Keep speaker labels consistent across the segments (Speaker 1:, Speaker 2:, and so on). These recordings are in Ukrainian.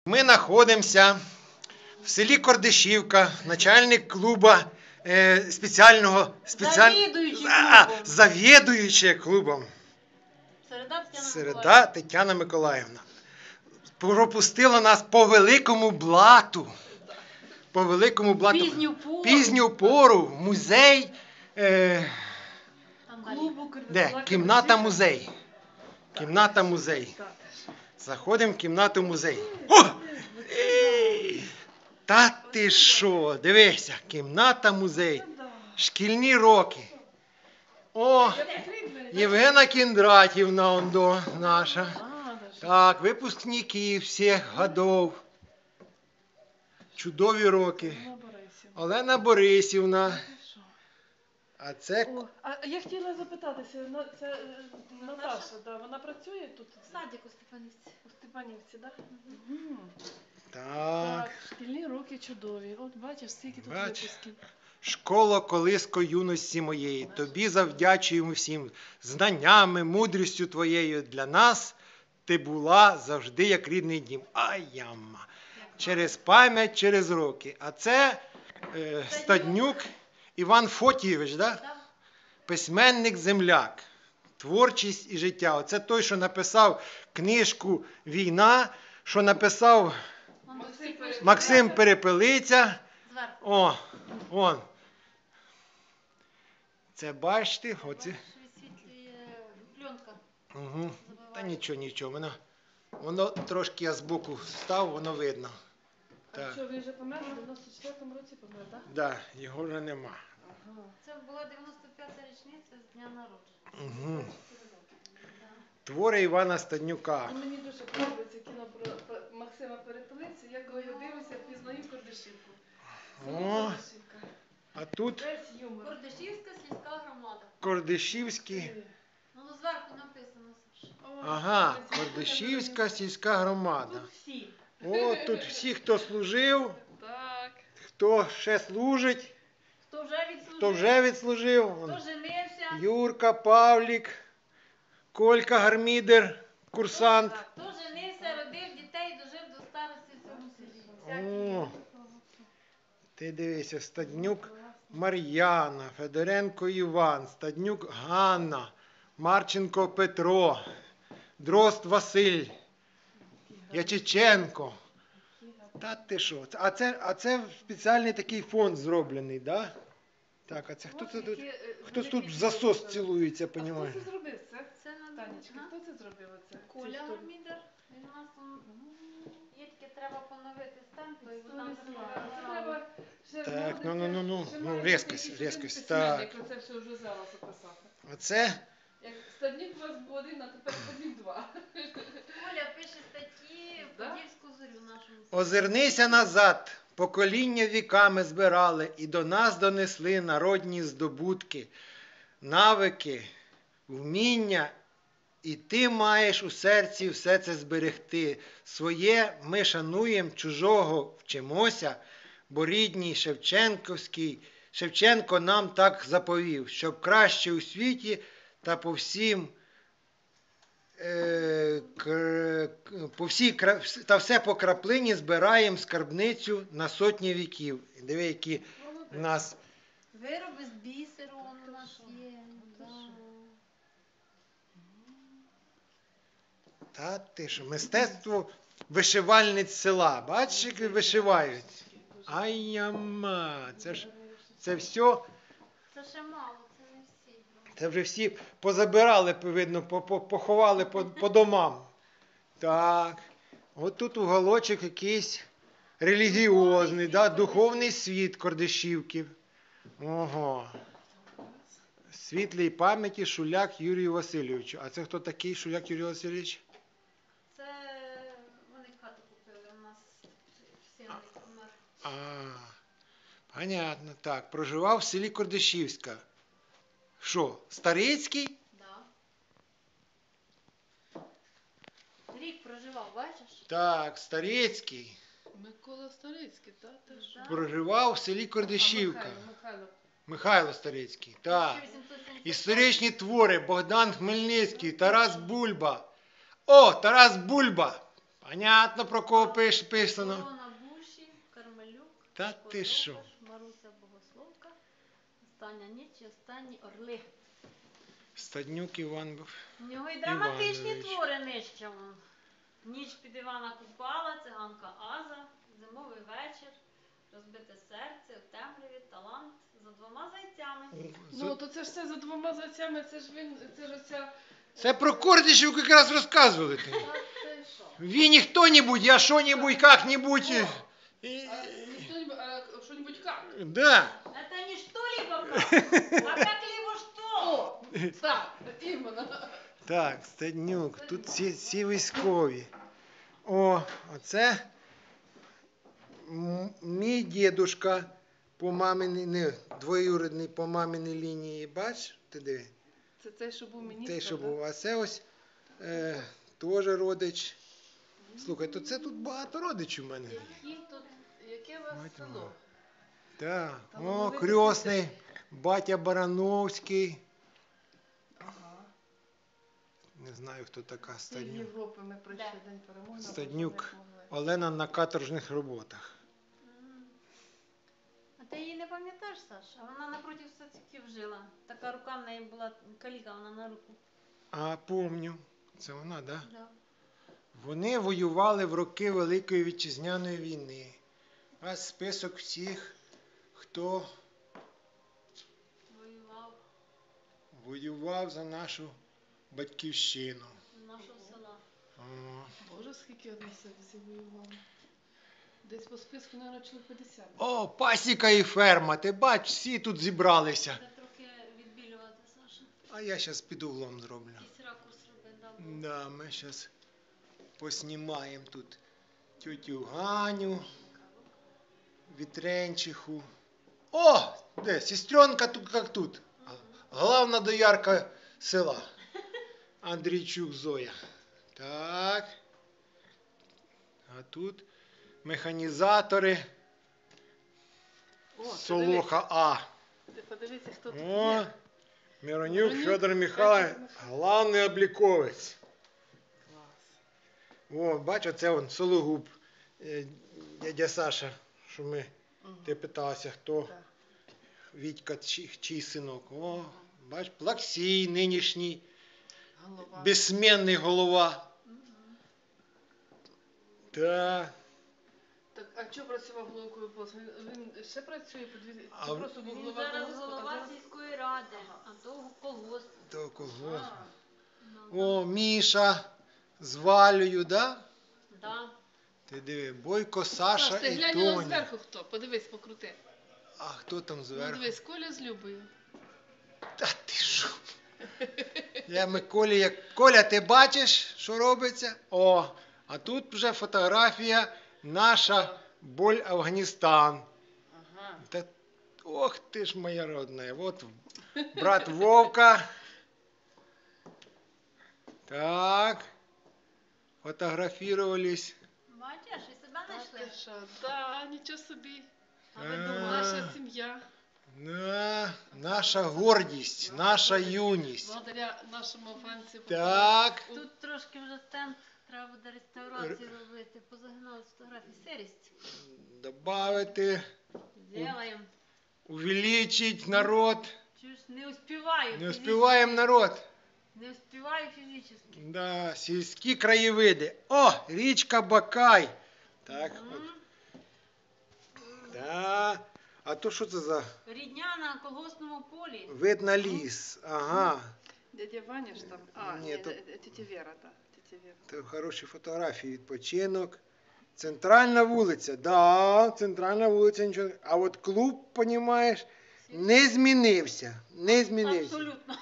Speaker 1: Ми знаходимося в селі Кордишівка, начальник клубу завідуючий клубом. Середа Тетяна Миколаївна. Пропустила нас по великому блату. Пізню пору в музей. Кімната музей. Кімната музей. Заходимо в кімнату музей. О! Та ти що? Дивися, кімната музей. Шкільні роки. О, Євгена Кіндратівна ондо наша. Так, випускники всіх годов. Чудові роки. Олена Борисівна. А це...
Speaker 2: А я хотіла запитатися, це Наташа, вона працює тут?
Speaker 3: Садик у Степанівці.
Speaker 2: У Степанівці, так?
Speaker 1: Так.
Speaker 2: Шкільні роки чудові. От бачиш, скільки тут випусків.
Speaker 1: Школа, колиско юності моєї, тобі завдячуємо всім знаннями, мудрістю твоєю. Для нас ти була завжди як рідний дім. Ай, яма. Через пам'ять, через роки. А це Стаднюк Іван Фотійович, да? Письменник-земляк. Творчість і життя. Оце той, що написав книжку «Війна», що написав Максим Перепелиця. О, вон. Це бачите? Оце.
Speaker 3: Пленка.
Speaker 1: Угу. Та нічого. Воно трошки я збоку став, воно видно.
Speaker 2: А що, він вже помер? У 94-му році помер, так?
Speaker 1: Так, його вже нема.
Speaker 3: Це була 95-та річниця з дня народження.
Speaker 1: Угу. Твори Івана Стаднюка.
Speaker 2: Мені дуже подобається кіно про Максима Перепелицю. Я коли його дивлюся, пізнаю Кордишівку.
Speaker 1: О, а тут
Speaker 2: Весь юмор.
Speaker 3: Кордишівська сільська громада.
Speaker 1: Кордишівський.
Speaker 3: Ну, зверху написано, Саша.
Speaker 1: Ага, Кордишівська сільська громада.
Speaker 2: Тут всі.
Speaker 1: О, тут всі, хто служив,
Speaker 2: Так.
Speaker 1: хто ще служить,
Speaker 3: Хто вже відслужив,
Speaker 1: хто
Speaker 3: хто женився,
Speaker 1: Юрка, Павлік, Колька Гармідер, курсант.
Speaker 3: хто женився, родив дітей, дожив до старості в цьому селі.
Speaker 1: О, ти дивися, Стаднюк Мар'яна, Федоренко Іван, Стаднюк Ганна, Марченко Петро, Дрозд Василь, Ячиченко. Та ти що? А це спеціальний такий фонд зроблений, да? Так, а це хтось тут в засос цілується,
Speaker 2: А хто
Speaker 1: понімаєш?
Speaker 2: це зробив?
Speaker 3: Це на
Speaker 2: Танечка, хто це зробив оце?
Speaker 3: Коля Гармідер. Він у нас там є тільки треба поновити стенд, то його там
Speaker 2: Треба ще
Speaker 1: Так,
Speaker 2: знаходити,
Speaker 1: ну,
Speaker 2: ще
Speaker 1: різкость,
Speaker 2: письменник,
Speaker 1: так.
Speaker 2: Це все вже зараз описати.
Speaker 1: Оце
Speaker 2: Як Стаднюк у вас був один, а тепер Стаднюк два.
Speaker 3: Коля пише статті в Подільську зорю нашому селі.
Speaker 1: озирнися назад, покоління віками збирали і до нас донесли народні здобутки, навики, вміння, і ти маєш у серці все це зберегти. Своє ми шануємо, чужого вчимося, бо рідній Шевченко нам так заповів, щоб краще у світі та по все по краплині збираємо скарбницю на сотні віків. Диви, які в нас
Speaker 3: Вироби з бісеру у нас є.
Speaker 1: Та ти що, мистецтво вишивальниць села. Бачиш, як вишивають? Ай-яма, це все,
Speaker 3: Це ще мало, це не всі.
Speaker 1: це вже всі позабирали, видно, поховали по домам. Так, от тут уголочок якийсь релігіозний, да, духовний світ Кордишівки. Ого. Світлій пам'яті Шуляк Юрію Васильовичу. А це хто такий Шуляк Юрій Васильович?
Speaker 3: Це вони хату купили у нас всі помер.
Speaker 1: Понятно. Так, проживав в селі Кордишівська. Що, Старицький?
Speaker 3: Да. Рік проживав, бачиш?
Speaker 1: Так, Старицький.
Speaker 2: Микола Старицький, так?
Speaker 3: Да.
Speaker 1: Проживав в селі Кордишівка.
Speaker 2: Михайло.
Speaker 1: Михайло Старицький. Так.
Speaker 3: 1870.
Speaker 1: Історичні твори Богдан Хмельницький, Тарас Бульба. О, Тарас Бульба! Понятно, про кого писано.
Speaker 3: Корона Буші, Кармелюк,
Speaker 1: Та ти що?
Speaker 3: Козоваш, Маруся Богословка, Остання ніч і останні орли.
Speaker 1: Стаднюк Іван був.
Speaker 3: У нього і драматичні
Speaker 1: Іванович.
Speaker 3: твори нижче. Вон. Ніч під Івана Купала, циганка Аза, зимовий вечір, розбите серце, в темряві, талант, за двома зайцями.
Speaker 2: Ну, то це ж все за двома зайцями, це ж він, це ж оця...
Speaker 1: Це про Кордишів якраз розказували.
Speaker 2: Та це що?
Speaker 1: Він не хто-нибудь, я що-нибудь, как-нибудь. І-
Speaker 2: А что-нибудь, а что-нибудь как?
Speaker 1: Да.
Speaker 3: Это не что-либо как, а как-либо что.
Speaker 2: О, так, іменно.
Speaker 1: Так, Стаднюк, тут всі військові. О, оце мій дідушка по маминій, не, двоюрідний по маминій лінії, бач, ти диви,
Speaker 2: Це той, що був міністр,
Speaker 1: той, що
Speaker 2: да?
Speaker 1: був, а це ось теж родич. Слухай, то це тут багато родичів у мене.
Speaker 2: Які тут, яке у вас
Speaker 1: Мать
Speaker 2: село?
Speaker 1: моя. Так,
Speaker 2: Там
Speaker 1: о,
Speaker 2: вони
Speaker 1: крьосний, батя Барановський.
Speaker 2: Ага.
Speaker 1: Не знаю, хто така
Speaker 2: З
Speaker 1: Стаднюк.
Speaker 2: Європи ми прийшли
Speaker 3: Де?
Speaker 2: День перемоги.
Speaker 1: Стаднюк.
Speaker 2: а потім як могли.
Speaker 1: Олена на каторжних роботах.
Speaker 3: А ти її не пам'ятаєш, Саш? А вона напроти Сацьків жила. Така рука в неї була, каліка вона на руку.
Speaker 1: А, помню. Це вона, да?
Speaker 3: Да.
Speaker 1: Вони воювали в роки Великої Вітчизняної війни. А список всіх, хто
Speaker 3: Воював
Speaker 1: воював за нашу батьківщину.
Speaker 3: з нашого села.
Speaker 1: О,
Speaker 2: Боже, скільки одне всі воювали. Десь по списку, мабуть, чоловік 50.
Speaker 1: О, пасіка і ферма. Ти бач, всі тут зібралися.
Speaker 3: Треба трохи відбілювати, Саша.
Speaker 1: А я зараз під углом зроблю.
Speaker 3: Якийсь ракурс роби, да. бо-
Speaker 1: Да, ми зараз поснімаємо тут тютю Ганю, Вітренчиху. О, де, сестренка тут як тут. Главна доярка села. Андрійчук Зоя. Так. А тут механізатори
Speaker 2: О,
Speaker 1: Солоха А.
Speaker 2: Ти подивися, хто тут
Speaker 1: О,
Speaker 2: є.
Speaker 1: Миронюк
Speaker 2: Миронюк
Speaker 1: Федор Михайлович, главний обліковець.
Speaker 2: Клас.
Speaker 1: О, бач, оце он Сологуб, дядя Саша, що ми,
Speaker 2: Мгм.
Speaker 1: ти питався, хто
Speaker 2: Так.
Speaker 1: Вітька, чий синок. О, бач, Плаксій нинішній,
Speaker 2: Голова.
Speaker 1: безсменний голова. Так.
Speaker 2: Так, а що працював головкою пост? Він ще працює по дві...
Speaker 1: А
Speaker 2: Чи
Speaker 1: в-
Speaker 2: просто був
Speaker 3: Він
Speaker 2: голова
Speaker 3: зараз
Speaker 2: колгоспу, а
Speaker 3: голова
Speaker 2: зараз-
Speaker 3: сільської ради, а то колгосп.
Speaker 1: То кого?
Speaker 2: А,
Speaker 3: Ну,
Speaker 1: О, Міша з Валею, да?
Speaker 3: да.
Speaker 1: Ти диви, Бойко, Саша
Speaker 2: Саш, ти
Speaker 1: і
Speaker 2: глянь на
Speaker 1: Тоня.
Speaker 2: зверху хто. Подивись, покрути.
Speaker 1: А хто там
Speaker 2: Ну,
Speaker 1: зверху?
Speaker 2: дивись, Коля з Любою.
Speaker 1: Та ти що? Я Миколі, як Коля, ти бачиш, що робиться? О, а тут вже фотографія наша Боль Афганістан.
Speaker 2: Ага.
Speaker 1: Та, ох ти ж моя родная. Вот брат Вовка. Так. Фотографировались.
Speaker 3: Бачиш, і себе
Speaker 2: Так,
Speaker 3: знайшли.
Speaker 2: ти що? Да, нічого собі.
Speaker 3: А ви
Speaker 1: А.
Speaker 3: думали,
Speaker 2: Наша сім'я.
Speaker 1: Да, наша гордість, наша юність.
Speaker 2: Благодаря нашому афганцю.
Speaker 1: Так.
Speaker 3: тут трошки вже стенд, треба буде реставрацію робити, позагинали з фотографій. Сирість.
Speaker 1: Добавити,
Speaker 3: Зробимо.
Speaker 1: увеличить народ.
Speaker 3: Чуєш, не успіваю.
Speaker 1: Не успіваємо народ.
Speaker 3: Не успіваю фізично.
Speaker 1: Да, сільські краєвиди. О, річка Бакай. Так, от. Да. А то що це за
Speaker 3: Рідня на колгоспному полі.
Speaker 1: вид на ліс? Ага.
Speaker 2: Дядя Ваня ж там. А,
Speaker 1: Ні,
Speaker 2: ні,
Speaker 1: то-
Speaker 2: тетя Вера, так. Тетя Вера.
Speaker 1: Це хороші фотографії, відпочинок. Центральна вулиця. Да, центральна вулиця нічого. А от клуб, понімаєш, не змінився. Не змінився.
Speaker 3: Абсолютно.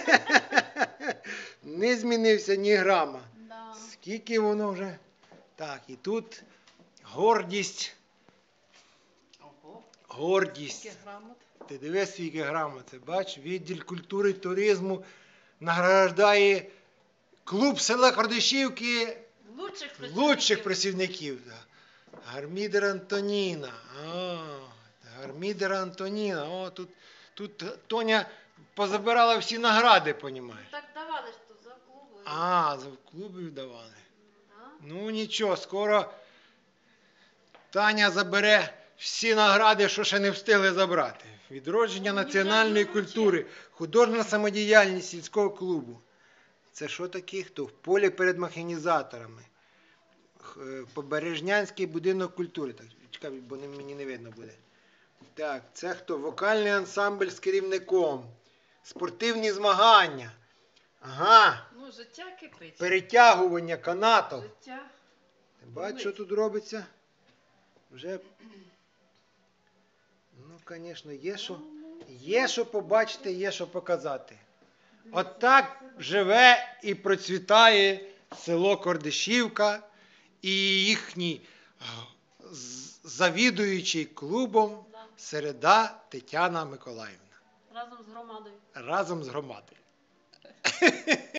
Speaker 1: Не змінився ні грама.
Speaker 3: Да.
Speaker 1: Скільки воно вже? Так, і тут гордість.
Speaker 2: Ого.
Speaker 1: Гордість.
Speaker 2: Скільки грамот.
Speaker 1: Ти дивись, скільки грамот. Це бач, відділ культури і туризму награждає клуб села Кордишівки лучших працівників. Да. Гармідер Антоніна. Гармідер Антоніна. О, тут Тоня позабирала всі награди, понімаєш.
Speaker 3: Так давали ж тут за клубою.
Speaker 1: А, за клубів давали.
Speaker 3: Да.
Speaker 1: Ну нічого, скоро Таня забере всі награди, що ще не встигли забрати. Відродження
Speaker 3: Мені
Speaker 1: національної
Speaker 3: вже вручили.
Speaker 1: культури, художня самодіяльність сільського клубу. Це що таке? Хто? В полі перед механізаторами. Побережнянський будинок культури. Так, чекай, бо мені не видно буде. Так, це хто? Вокальний ансамбль з керівником. Спортивні змагання. Ага.
Speaker 2: Ну, життя кипить.
Speaker 1: Перетягування канатів.
Speaker 2: Життя.
Speaker 1: Бачиш, що тут робиться? Вже. Ну, звісно, є що побачити, є що показати. От так живе і процвітає село Кордишівка і їхній завідуючий клубом
Speaker 3: Да.
Speaker 1: Середа Тетяна Миколаївна.
Speaker 3: Разом з громадою.
Speaker 1: Разом з громадою.